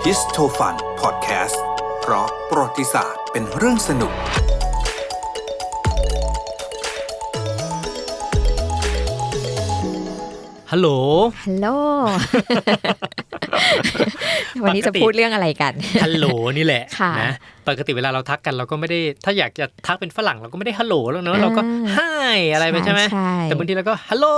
ดิสโทฟันพอดแคสต์เพราะประวัติศาสตร์เป็นเรื่องสนุกฮัลโหลฮัลโหล วันนี้จะพูดเรื่องอะไรกันฮัลโหลนี่แหละนะปกติเวลาเราทักกันเราก็ไม่ได้ถ้าอยากจะทักเป็นฝรั่งเราก็ไม่ได้ฮัลโหลแล้วเนอะเราก็ไฮอะไรไปใช่ไหมแต่บางทีเราก็ฮัลโหล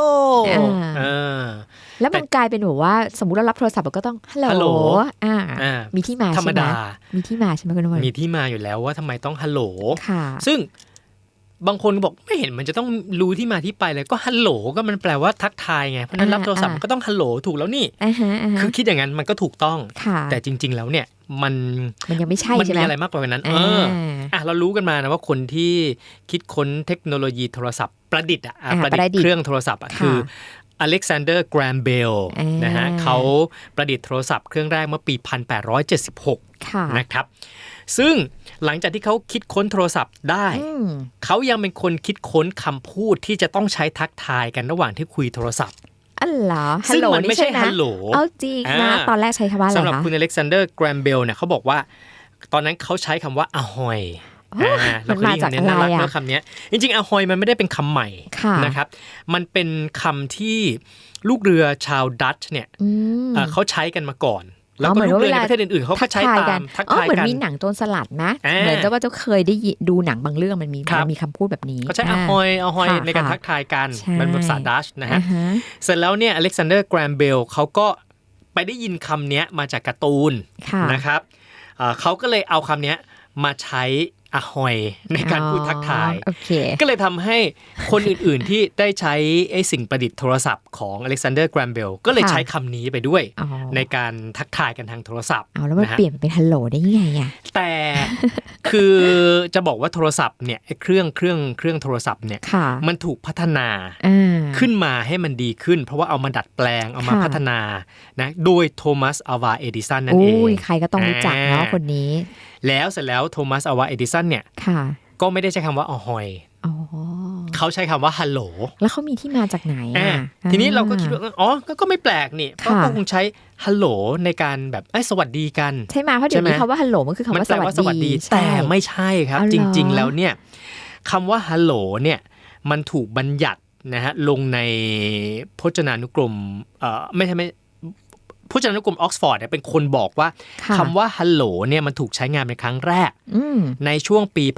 แล้วมันกลายเป็นแบบว่าสมมุติเรารับโทรศัพท์เราก็ต้องฮัลโหลมีที่มาใช่ไหมธรรมดามีที่มาใช่ไหมคุณนวลมีที่มาอยู่แล้วว่าทำไมต้องฮัลโหลซึ่งบางคนบอกไม่เห็นมันจะต้องรู้ที่มาที่ไปเลยก็ฮัลโหลก็มันแปลว่าทักทายไงเพราะนั้นรับโทรศัพท์มันก็ต้องฮัลโหลถูกแล้วนี่คือคิดอย่างนั้นมันก็ถูกต้องแต่จริงๆแล้วเนี่ยมันยังไม่ใช่ใช่ไหมมันมีอะไรมากกว่านั้นเรารู้กันมานะว่าคนที่คิดค้นเทคโนโลยีโทรศัพท์ประดิษฐ์เครื่องโทรศัพท์คืออเล็กซานเดอร์ แกรมเบลนะฮะเขาประดิษฐ์โทรศัพท์เครื่องแรกเมื่อปี 1876 นะครับซึ่งหลังจากที่เขาคิดค้นโทรศัพท์ได้เขายังเป็นคนคิดค้นคำพูดที่จะต้องใช้ทักทายกันระหว่างที่คุยโทรศัพท์ซึ่งมันไม่ใช่ฮัลโหลเอาจริงนะตอนแรกใช้คำว่าอะไรคะสำหรับคุณอเล็กซานเดอร์ แกรมเบลเนี่ยเขาบอกว่าตอนนั้นเขาใช้คำว่าอะฮอยมันมาจากอะไรอ่ะคำนี้จริงๆอะฮอยมันไม่ได้เป็นคำใหม่นะครับมันเป็นคำที่ลูกเรือชาวดัตช์เนี่ยเขาใช้กันมาก่อนแล้วก็ลูกเรือในประเทศอื่นๆเขาก็ใช้ตามทักทายกันเหมือนมีหนังโจรสลัดนะเหมือนจะว่าเจ้าเคยได้ดูหนังบางเรื่องมันมีคำพูดแบบนี้เขาใช้อะฮอยในการทักทายกันมันภาษาดัตช์นะฮะเสร็จแล้วเนี่ยอเล็กซานเดอร์ แกรมเบลเขาก็ไปได้ยินคำนี้มาจากการ์ตูนนะครับเขาก็เลยเอาคำนี้มาใช้อะฮอยในการพูดทักทายก็เลยทำให้คนอื่นๆที่ได้ใช้ไอ้สิ่งประดิษฐ์โทรศัพท์ของอเล็กซานเดอร์ แกรมเบลก็เลยใช้คำนี้ไปด้วยในการทักทายกันทางโทรศัพท์แล้วมันเปลี่ยนเป็นฮัลโหลได้ยังไงอ่ะแต่คือจะบอกว่าโทรศัพท์เนี่ยเครื่องโทรศัพท์เนี่ยมันถูกพัฒนาขึ้นมาให้มันดีขึ้นเพราะว่าเอามาดัดแปลงเอามาพัฒนานะโดยโทมัส อัลวา เอดิสันนั่นเองใครก็ต้องรู้จักเนาะคนนี้แล้วเสร็จแล้วโทมัส อัลวา เอดิสันเนี่ยก็ไม่ได้ใช้คำว่าอะฮอยเขาใช้คำว่าฮัลโหลแล้วเขามีที่มาจากไหนทีนี้เราก็คิดว่าก็ไม่แปลกนี่ก็คงใช้ฮัลโหลในการแบบสวัสดีกันใช่ไหมเพราะเดี๋ยวนี้คำว่าฮัลโหลมันคือคำว่าสวัสดีแต่ไม่ใช่ครับจริงๆแล้วเนี่ยคำว่าฮัลโหลเนี่ยมันถูกบัญญัตินะฮะลงในพจนานุกรมไม่ใช่พจนานุกรมออกซฟอร์ดเนี่ยเป็นคนบอกว่าคำว่าฮัลโหลเนี่ยมันถูกใช้งานเป็นครั้งแรกในช่วงปี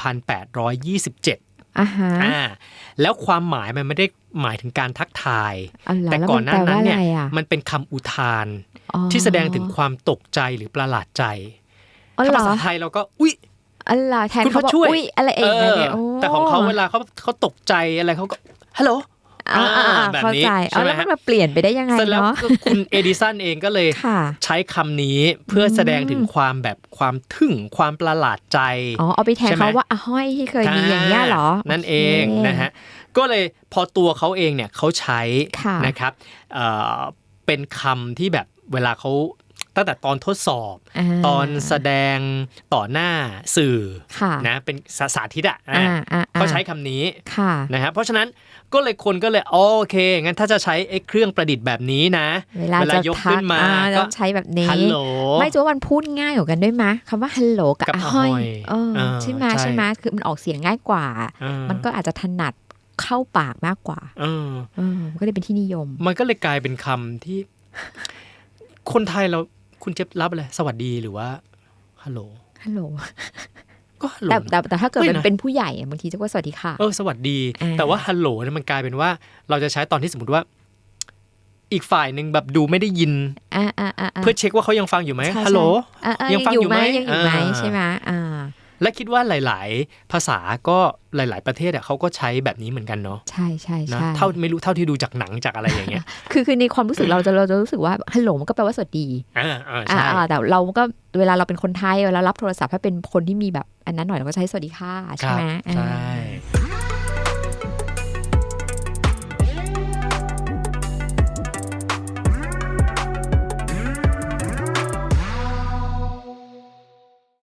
1827แล้วความหมายมันไม่ได้หมายถึงการทักทายแต่ก่อนหน้านั้นเนี่ยมันเป็นคำอุทานที่แสดงถึงความตกใจหรือประหลาดใจถ้าภาษาไทยเราก็อุ๊ยแทนเขาบอกอุ๊ยอะไรเองเนี่ยแต่ของเขาเวลาเขาตกใจอะไรเขาก็ฮัลโหลแบบนี้ใช่ไหมแล้วมันมาเปลี่ยนไปได้ยังไงเนาะคุณเอดิสันเองก็เลยใช้คำนี้เพื่อแสดงถึงความแบบความทึ่งความประหลาดใจเอาไปแทนเขาว่าอะห้อยที่เคยมีอย่างเงี้ยหรอนั่นเองนะฮะก็เลยพอตัวเขาเองเนี่ยเขาใช้นะครับเป็นคำที่แบบเวลาเขาตั้งแต่ตอนทดสอบตอนแสดงต่อหน้าสื่อนะเป็นสาธิตเขาใช้คำนี้นะฮะเพราะฉะนั้นคนก็เลยโอเคงั้นถ้าจะใช้เครื่องประดิษฐ์แบบนี้นะเวลายกขึ้นมาก็ใช้แบบนี้ฮัลโหลไม่จะว่ามันพูดง่ายกว่ากันด้วยมั้ยคำว่าฮัลโหลกับอะฮอยใช่ไหมคือมันออกเสียงง่ายกว่ามันก็อาจจะถนัดเข้าปากมากกว่าก็เลยเป็นที่นิยมมันก็เลยกลายเป็นคำที่คนไทยเราคุณจะรับอะไรสวัสดีหรือว่าฮัลโหลก็ฮัลโหลแต่ถ้าเกิดมันเป็นผู้ใหญ่บางทีจะว่าสวัสดีค่ะสวัสดีแต่ว่าฮัลโหลเนี่ยมันกลายเป็นว่าเราจะใช้ตอนที่สมมติว่าอีกฝ่ายนึงแบบดูไม่ได้ยินเพื่อเช็คว่าเขายังฟังอยู่ไหมฮัลโหลยังฟังอยู่ไหมใช่ไหมและคิดว่าหลายๆภาษาก็หลายๆประเทศเขาก็ใช้แบบนี้เหมือนกันเนาะใช่เท่าที่ดูจากหนังจากอะไรอย่างเงี้ยคือในความรู้สึกเราจะรู้สึกว่าฮัลโหลมันก็แปลว่าสวัสดีแต่เราก็เวลาเราเป็นคนไทยเวลารับโทรศัพท์ถ้าเป็นคนที่มีแบบอันนั้นหน่อยเราก็ใช้สวัสดีค่ะใช่ไหมใช่